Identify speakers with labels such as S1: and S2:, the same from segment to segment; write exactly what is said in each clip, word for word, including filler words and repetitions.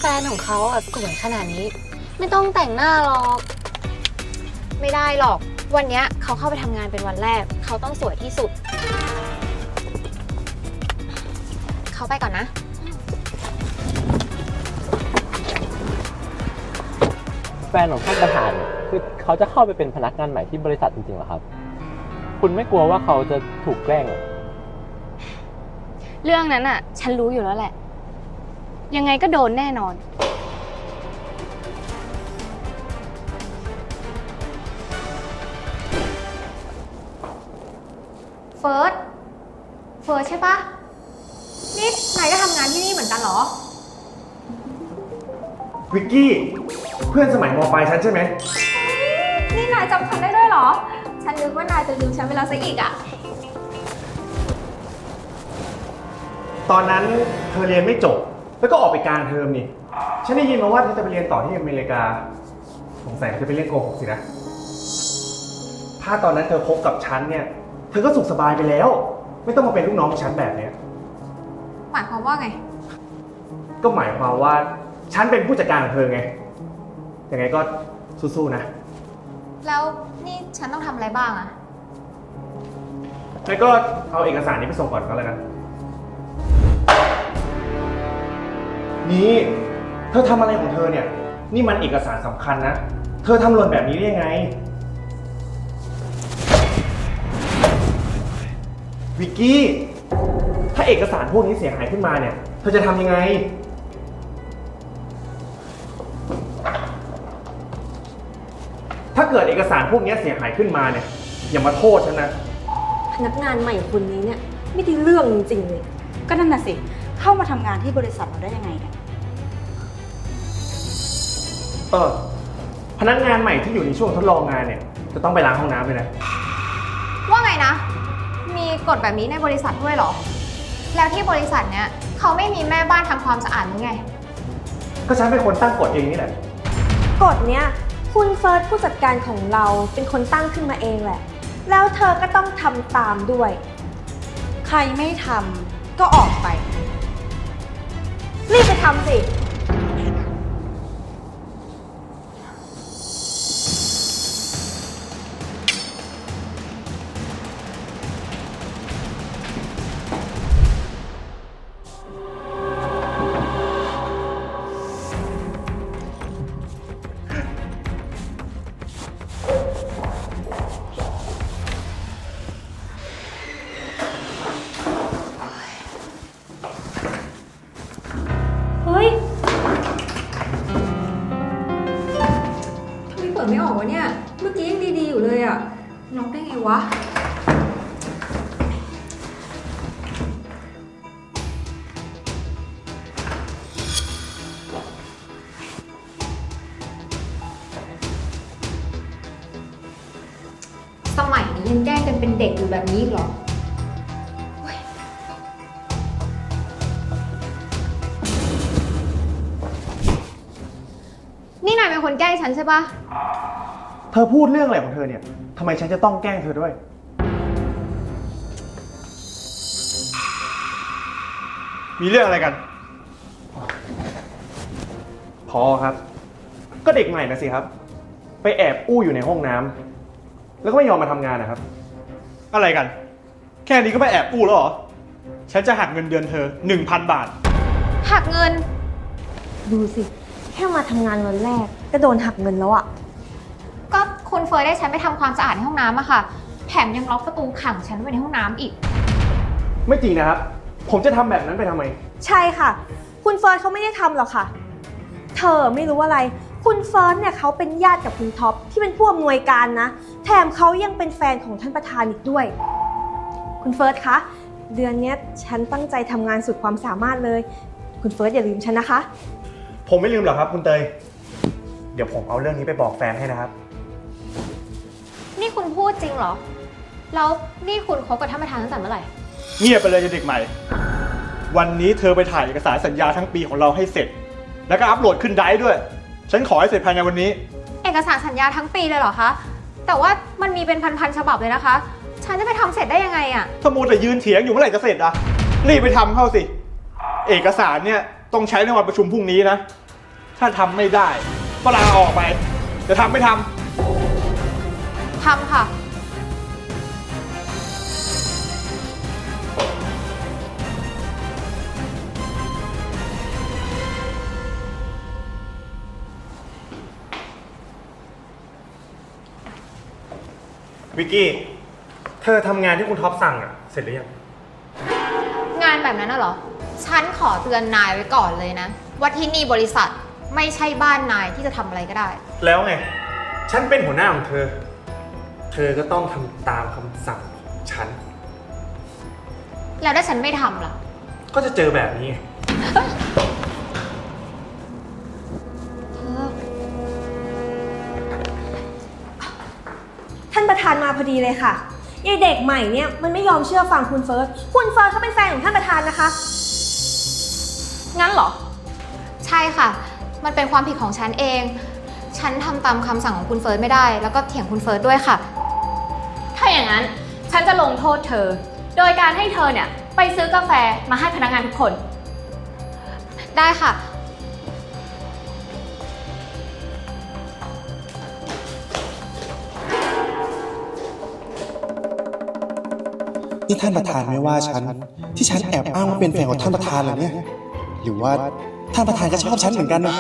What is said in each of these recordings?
S1: นของเขาอ่ะสวยขนาดนี้ไม่ต้องแต่งหน้าหรอก
S2: ไม่ได้หรอกวันนี้เขาเข้าไปทำงานเป็นวันแรกเขาต้องสวยที่สุดเขาไปก่อนนะ
S3: แฟนของท่านประธานเนี่ยคือเขาจะเข้าไปเป็นพนักงานใหม่ที่บริษัทจริงๆเหรอครับคุณไม่กลัวว่าเขาจะถูกแกล้งเหรอ
S2: เรื่องนั้นอ่ะฉันรู้อยู่แล้วแหละยังไงก็โดนแน่นอนเฟิร์สเฟิร์สใช่ปะนี่นายก็ทำงานที่นี่เหมือนกันเหรอ
S4: วิกกี้เพื่อนสมัยม.ปลายฉันใช่ไหม
S2: นี่นายจำฉันได้ด้วยเหรอฉันนึกว่านายจะลืมฉันไปแล้วซะอีกอะ
S4: ตอนนั้นเธอเรียนไม่จบแล้วก็ออกไปกลางเทอมนี่ฉันได้ยินมาว่าเธอจะไปเรียนต่อที่อเมริกาสงสัยเธอจะไปเรียนโกหกสินะถ้าตอนนั้นเธอคบกับฉันเนี่ยเธอก็สุขสบายไปแล้วไม่ต้องมาเป็นลูกน้องฉันแบบเนี้ย
S2: หมายความว่าไง
S4: ก็หมายความว่าฉันเป็นผู้จัดการของเธอไงยังไงก็สู้ๆนะ
S2: แล้วนี่ฉันต้องทำอะไรบ้างอะ
S4: แล้วก็เอาเอกสารนี้ไปส่งก่อนก็แล้วกันนี่เธอทำอะไรของเธอเนี่ยนี่มันเอกสารสำคัญนะเธอทำหล่นแบบนี้ได้ยังไงวิกกี้ถ้าเอกสารพวกนี้เสียหายขึ้นมาเนี่ยเธอจะทำยังไงถ้าเกิดเอกสารพวกนี้เสียหายขึ้นมาเนี่ยอย่ามาโทษฉันนะ
S1: พนักงานใหม่คนนี้เนี่ยไม่ได้เรื่องจริงๆเลย
S5: ก็นั่นน่ะสิเข้ามาทำงานที่บริษัทเราได้ยังไงเนี่ย
S4: เออพนักงานใหม่ที่อยู่ในช่วงทดลองงานเนี่ยจะต้องไปล้างห้องน้ำเลยนะ
S2: ว่าไงนะมีกฎแบบนี้ในบริษัทด้วยเหรอแล้วที่บริษัทเนี้ยเขาไม่มีแม่บ้านทำความสะอาดหรือไง
S4: ก็ฉันเป็นคนตั้งกฎเองนี่แหละ
S1: กฎเนี้ยคุณเฟิร์สผู้จัดการของเราเป็นคนตั้งขึ้นมาเองแหละแล้วเธอก็ต้องทำตามด้วย
S5: ใครไม่ทำก็ออกไป
S1: รีบไปทำสิเฮ้ย
S2: ทำไมเปิดไม่ออกวะเนี่ยเมื่อกี้ยังดีๆอยู่เลยอะล็อกได้ไงวะสมัยนี้ยังแกล้งกันเป็นเด็กอยู่แบบนี้เหรอนี่นายเป็นคนแกล้งฉันใช่ปะ
S4: เธอพูดเรื่องอะไรของเธอเนี่ยทำไมฉันจะต้องแกล้งเธอด้วยมีเรื่องอะไรกันพอครับก็เด็กใหม่นะสิครับไปแอบอู้อยู่ในห้องน้ำแล้วก็ไม่ยอมมาทำงานนะครับ
S6: อะไรกันแค่นี้ก็ไปแอบอู้แล้วเหรอฉันจะหักเงินเดือนเธอ หนึ่งพัน บาท
S2: หักเงิน
S1: ดูสิแค่มาทำงานวันแรกก็โดนหักเงินแล้วอะ
S2: ก็คุณเฟยได้ฉันไปทำความสะอาดในห้องน้ำอะค่ะแถมยังล็อกประตูขังฉันไว้ในห้องน้ำอีก
S4: ไม่จริงนะครับผมจะทำแบบนั้นไปทำไม
S1: ใช่ค่ะคุณเฟิร์สเขาไม่ได้ทำหรอกค่ะเธอไม่รู้อะไรคุณเฟิร์สเนี่ยเขาเป็นญาติกับคุณท็อปที่เป็นผู้อำนวยการนะแถมเขายังเป็นแฟนของท่านประธานอีกด้วยคุณเฟิร์สคะเดือนนี้ฉันตั้งใจทำงานสุดความสามารถเลยคุณเฟิร์สอย่าลืมฉันนะคะ
S4: ผมไม่ลืมหรอกครับคุณเตยเดี๋ยวผมเอาเรื่องนี้ไปบอกแฟนให้นะครับ
S2: นี่คุณพูดจริงเหรอแล้วนี่คุณคบกับท่านประธานตั้งแต่เมื่อไหร่
S6: เงียบไปเลยเด็กใหม่วันนี้เธอไปถ่ายเอกสารสัญญาทั้งปีของเราให้เสร็จแล้วก็อัปโหลดขึ้นไดรฟ์ด้วยฉันขอให้เสร็จภายในวันนี้
S2: เอกสารสัญญาทั้งปีเลยเหรอคะแต่ว่ามันมีเป็นพันๆฉบับเลยนะคะฉันจะไปทำเสร็จได้ยังไงอะ
S6: ถ้ามัวแต่ยืนเถียงอยู่เมื่อไหร่จะเสร็จอะรีบไปทำเข้าสิเอกสารเนี่ยต้องใช้ในวันประชุมพรุ่งนี้นะถ้าทำไม่ได้ก็ลาออกไป จะทำไม่ท
S2: ทำค่ะ
S4: วิกกี้ เธอทำงานที่คุณท็อปสั่งอะเสร็จหรือยัง
S2: งานแบบนั้นน่ะเหรอ ฉันขอเตือนนายไว้ก่อนเลยนะ ว่าที่นี่บริษัทไม่ใช่บ้านนายที่จะทำอะไรก็ได้
S4: แล้วไง ฉันเป็นหัวหน้าของเธอ เธอก็ต้องทำตามคำสั่งของฉัน
S2: แล้วถ้าฉันไม่ทำล่ะ
S4: ก็จะเจอแบบนี้ไง
S1: ท่านประธานมาพอดีเลยค่ะยายเด็กใหม่เนี่ยมันไม่ยอมเชื่อฟังคุณเฟิร์ส คุณเฟิร์สเขาเป็นแฟนของท่านประธานนะคะ
S2: งั้นเหรอ ใช่ค่ะ มันเป็นความผิดของฉันเอง ฉันทำตามคำสั่งของคุณเฟิร์สไม่ได้ แล้วก็เถียงคุณเฟิร์สด้วยค่ะ
S7: ถ้าอย่างนั้นฉันจะลงโทษเธอ โดยการให้เธอเนี่ยไปซื้อกาแฟมาให้พนักงานทุกคน
S2: ได้ค่ะ
S8: นี่ท่านประธานไม่ว่าฉันที่ฉันแอบอ้างว่าเป็นแฟนของท่านประธานเหรอเนี่ยหรือว่าท่านประธานก็ชอบฉันเหมือนกันนะ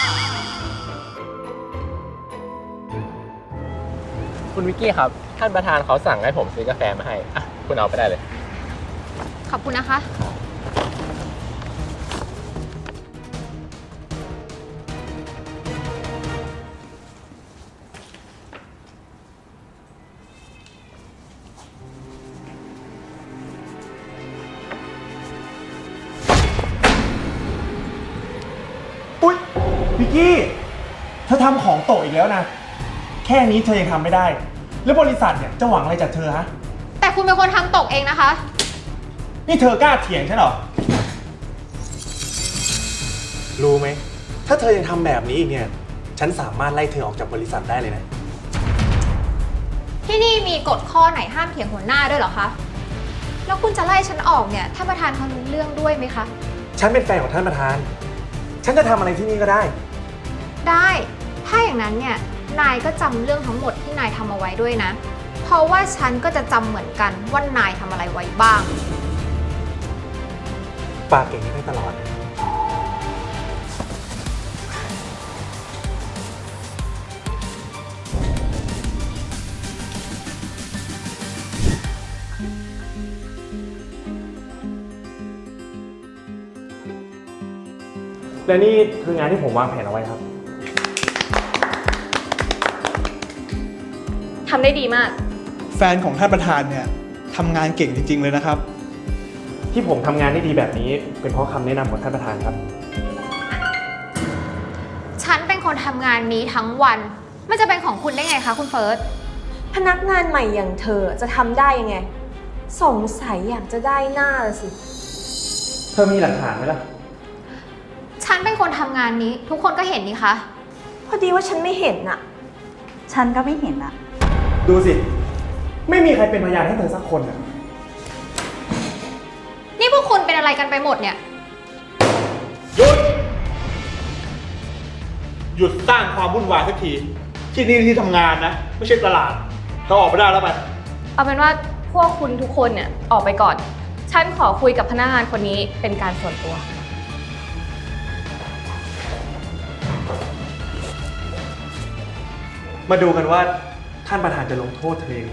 S3: คุณวิกกี้ครับ ท่านประธานเขาสั่งให้ผมซื้อกาแฟมาให้ อ่ะ คุณเอาไปได้เลย
S2: ขอบคุณนะคะ
S4: อุ๊ย วิกกี้ เธอทำของตกอีกแล้วนะ แค่นี้เธอยังทำไม่ได้ แล้วบริษัทเนี่ยจะหวังอะไรจากเธอฮะ
S2: แต่คุณเป็นคนทำตกเองนะคะ
S4: นี่เธอกล้าเถียงฉันเหรอ รู้ไหม ถ้าเธอยังทำแบบนี้อีกเนี่ย ฉันสามารถไล่เธอออกจากบริษัทได้เลยนะ
S2: ที่นี่มีกฎข้อไหนห้ามเถียงหัวหน้าด้วยเหรอคะ แล้วคุณจะไล่ฉันออกเนี่ยท่านประธานเขารู้เรื่องด้วยไหมคะ
S4: ฉันเป็นแฟนของท่านประธาน ฉันจะทำอะไรที่นี่ก็ได้
S2: ได้ ถ้าอย่างนั้นเนี่ย นายก็จำเรื่องทั้งหมดที่นายทำเอาไว้ด้วยนะ เพราะว่าฉันก็จะจำเหมือนกันว่านายทำอะไรไว้บ้าง
S4: ปากเก่งได้ตลอด และนี่คืองานที่ผมวางแผนเอาไว้ครับ
S7: ทำได้ดีมาก
S6: ำแฟนของท่านประธานเนี่ยทำงานเก่งจริง ๆ เลยนะครับ
S4: ที่ผมทำงานได้ดีแบบนี้ เป็นเพราะคำแนะนำของท่านประธานครับ
S2: ฉันเป็นคนทำงานนี้ทั้งวัน มันจะเป็นของคุณได้ไงคะคุณเฟิร์ส
S1: พนักงานใหม่อย่างเธอจะทำได้ยังไง สงสัยอยากจะได้หน้าละสิ
S4: เธอมีหลักฐานไหมล่ะ
S2: ฉันเป็นคนทำงานนี้ ทุกคนก็เห็นนี่คะ
S1: พอดีว่าฉันไม่เห็นอะ
S5: ฉันก็ไม่เห็นอะ
S4: ดูสิ ไม่มีใครเป็นพยานให้เธอสักคนอ่ะ
S2: นี่พวกคุณเป็นอะไรกันไปหมดเนี่ย
S6: หยุด หยุดสร้างความวุ่นวายสักที ที่นี่ที่ทำงานนะ ไม่ใช่ตลาดเธอออกไปได้แล้วไป
S7: เอาเป็นว่าพวกคุณทุกคนเนี่ยออกไปก่อน ฉันขอคุยกับพนักงานคนนี้เป็นการส่วนตัว
S4: มาดูกันว่าท่านประธานจะลงโทษเธอเอง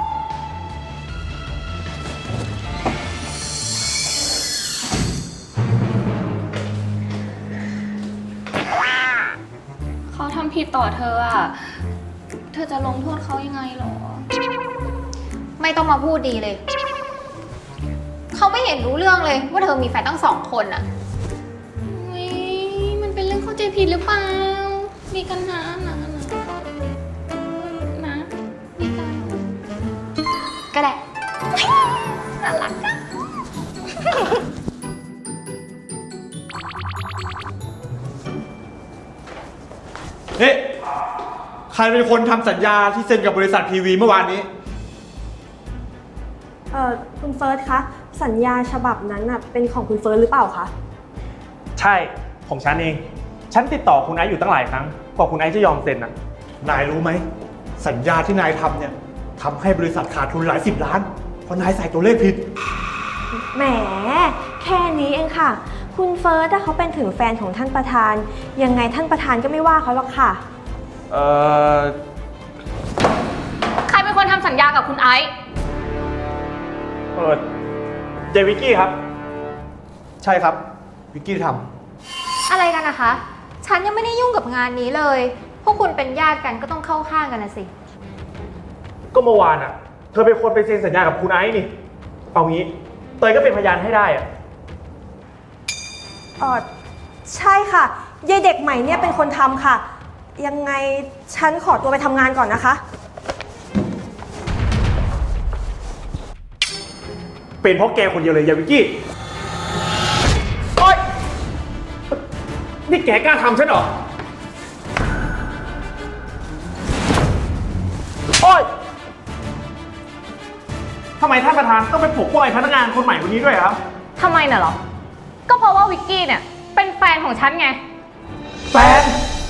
S7: เขาทำผิดต่อเธออ่ะ เธอจะลงโทษเขายังไงหรอ
S2: ไม่ต้องมาพูดดีเลย เขาไม่เห็นรู้เรื่องเลยว่าเธอมีแฟนตั้งสองคนอะ
S7: อุ๊ยมันเป็นเรื่องเข้าใจผิดหรือเปล่า มีกันนะนะนะนะมีกัน
S2: ก็ได้น่ารักอะ
S6: เฮ้ยใครเป็นคนทำสัญญาที่เซ็นกับบริษัททีวีเมื่อวานนี้
S1: เอ่อคุณเฟิร์สคะ สัญญาฉบับนั้นน่ะเป็นของคุณเฟิร์สหรือเปล่าคะ
S4: ใช่ ของฉันเองฉันติดต่อคุณไอซ์อยู่ตั้งหลายครั้งกว่าคุณไอซ์จะยอมเซ็นอะ
S6: นายรู้ไหม สัญญาที่นายทำเนี่ยทำให้บริษัทขาดทุนหลายสิบล้าน เพราะนายใส่ตัวเลขผิด
S1: แหม แค่นี้เองค่ะ คุณเฟิร์สถ้าเขาเป็นถึงแฟนของท่านประธาน ยังไงท่านประธานก็ไม่ว่าเขาหรอกค่ะ
S4: เอ่อ
S7: ใครเป็นคนทำสัญญากับคุณไอซ์
S4: เออเจวิกกี้ครับ
S6: ใช่ครับ วิกกี้ท
S2: อะไรกันนะคะ ฉันยังไม่ได้ยุ่งกับงานนี้เลย พวกคุณเป็นญาติกันก็ต้องเข้าข้างกันนะสิ
S4: ก็เมื่อวานอะเธอเป็นคนไปเซ็นสัญญากับคุณไอซ์นี่ เอางี้ เตยก็เป็นพยานให้ได้อะ
S1: เออใช่ค่ะยายเด็กใหม่เนี่ยเป็นคนทำค่ะ ยังไงฉันขอตัวไปทำงานก่อนนะคะ
S4: เป็นเพราะแกคนเดียวเลยยาวิกกี้โอ๊ยนี่แกกล้าทำฉันเหรอ โอ๊ยทำไมท่านประธานต้องไปปลุกปล้อยพนักงานคนใหม่คนนี้ด้วยครับ
S7: ทำไมน่ะเหรอ ก็เพราะว่าวิกกี้เนี่ยเป็นแฟนของฉันไง
S6: ำแฟน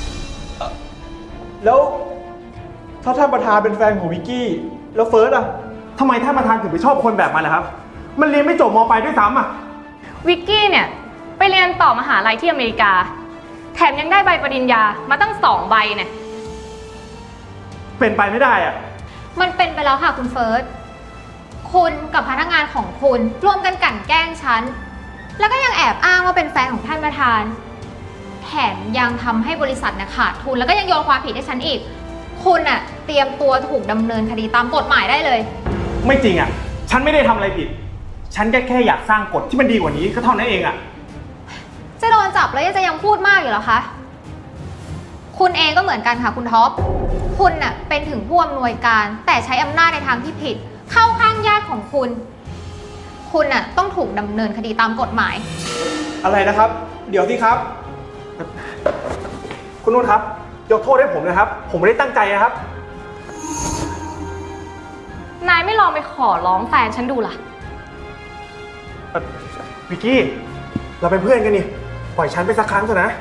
S6: แล้วถ้าท่านประธานเป็นแฟนของวิกกี้ แล้วเฟิร์สอะ
S4: ทำไมท่านประธานถึงไปชอบคนแบบมันล่ะครับ มันเรียนไม่จบม.ปลายด้วยซ้ำอ่ะ
S7: วิกกี้เนี่ยไปเรียนต่อมหาลัยที่อเมริกา แถมยังได้ใบปริญญามาตั้งสองใบเนี่ย
S4: เป็นไปไม่ได้อ่ะ
S2: มันเป็นไปแล้วค่ะคุณเฟิร์ส คุณกับพนักงานของคุณร่วมกันกลั่นแกล้งฉัน แล้วก็ยังแอบอ้างว่าเป็นแฟนของท่านประธาน แถมยังทำให้บริษัทเนี่ยขาดทุนแล้วก็ยังโยนความผิดให้ฉันอีก คุณอะเตรียมตัวถูกดำเนินคดีตามกฎหมายได้เลย
S4: ไม่จริงอ่ะ ฉันไม่ได้ทำอะไรผิด ฉันแค่แค่อยากสร้างกฎที่มันดีกว่านี้ก็เท่านั้นเองอ่ะ
S2: จะโดนจับแล้วยังจะยังพูดมากอยู่เหรอคะ คุณเองก็เหมือนกันค่ะคุณท็อป คุณน่ะเป็นถึงผู้อำนวยการ แต่ใช้อำนาจในทางที่ผิด เข้าข้างญาติของคุณ คุณน่ะต้องถูกดำเนินคดีตามกฎหมาย
S6: อะไรนะครับ เดี๋ยวสิครับ
S4: คุณนุ่นครับ ยกโทษให้ผมนะครับ ผมไม่ได้ตั้งใจนะครับ
S7: นายไม่ลองไปขอร้องแฟนฉันดูล่ะ
S4: เอ่อวิกกี้ เราเป็นเพื่อนกันนี่ ปล่อยฉันไปสักครั้งเถอะนะ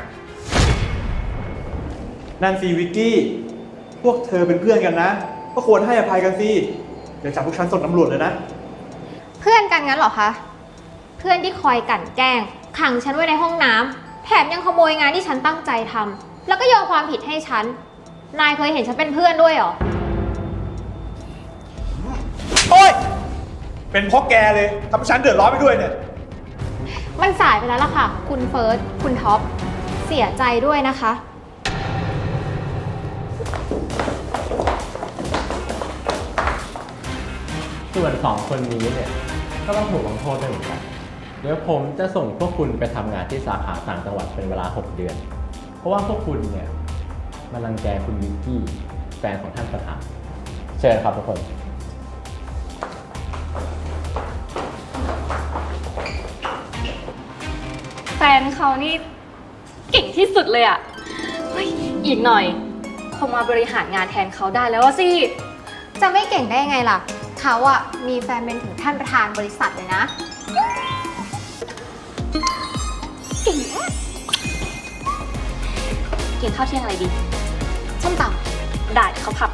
S6: นั่นสิวิกกี้ พวกเธอเป็นเพื่อนกันนะ ก็ควรให้อภัยกันสิเดี๋ยวจับพวกฉันส่งตำรวจเลยนะ
S2: เพื่อนกันงั้นเหรอคะ เพื่อนที่คอยกลั่นแกล้งขังฉันไว้ในห้องน้ำแถมยังขโมยงานที่ฉันตั้งใจทำแล้วก็โยนความผิดให้ฉัน นายเคยเห็นฉันเป็นเพื่อนด้วยเหรอ
S6: โอ๊ย เป็นเพราะแกเลยทำให้ฉันเดือดร้อนไปด้วยเนี่ย
S2: มันสายไปแล้วล่ะค่ะ คุณเฟิร์ส คุณท็อป เสียใจด้วยนะคะ
S3: ส่วนสองคนนี้เนี่ยก็ต้องถูกลงโทษด้วยเหมือนกัน เดี๋ยวผมจะส่งพวกคุณไปทำงานที่สาขาต่างจังหวัดเป็นเวลาหกเดือน เพราะว่าพวกคุณเนี่ยมารังแกคุณวิกกี้แฟนของท่านประธาน เชิญครับทุกคน
S7: แฟนเขานี่เก่งที่สุดเลยอะเฮ้ยอีกหน่อยคงมาบริหารงานแทนเขาได้แล้วอะสิ
S2: จะไม่เก่งได้ยังไงล่ะ เขาอะมีแฟนเป็นถึงท่านประธานบริษัทเลยนะ
S7: กินข้าวเที่ยงอะไรดี
S2: ส้มต
S7: ได้เขาพา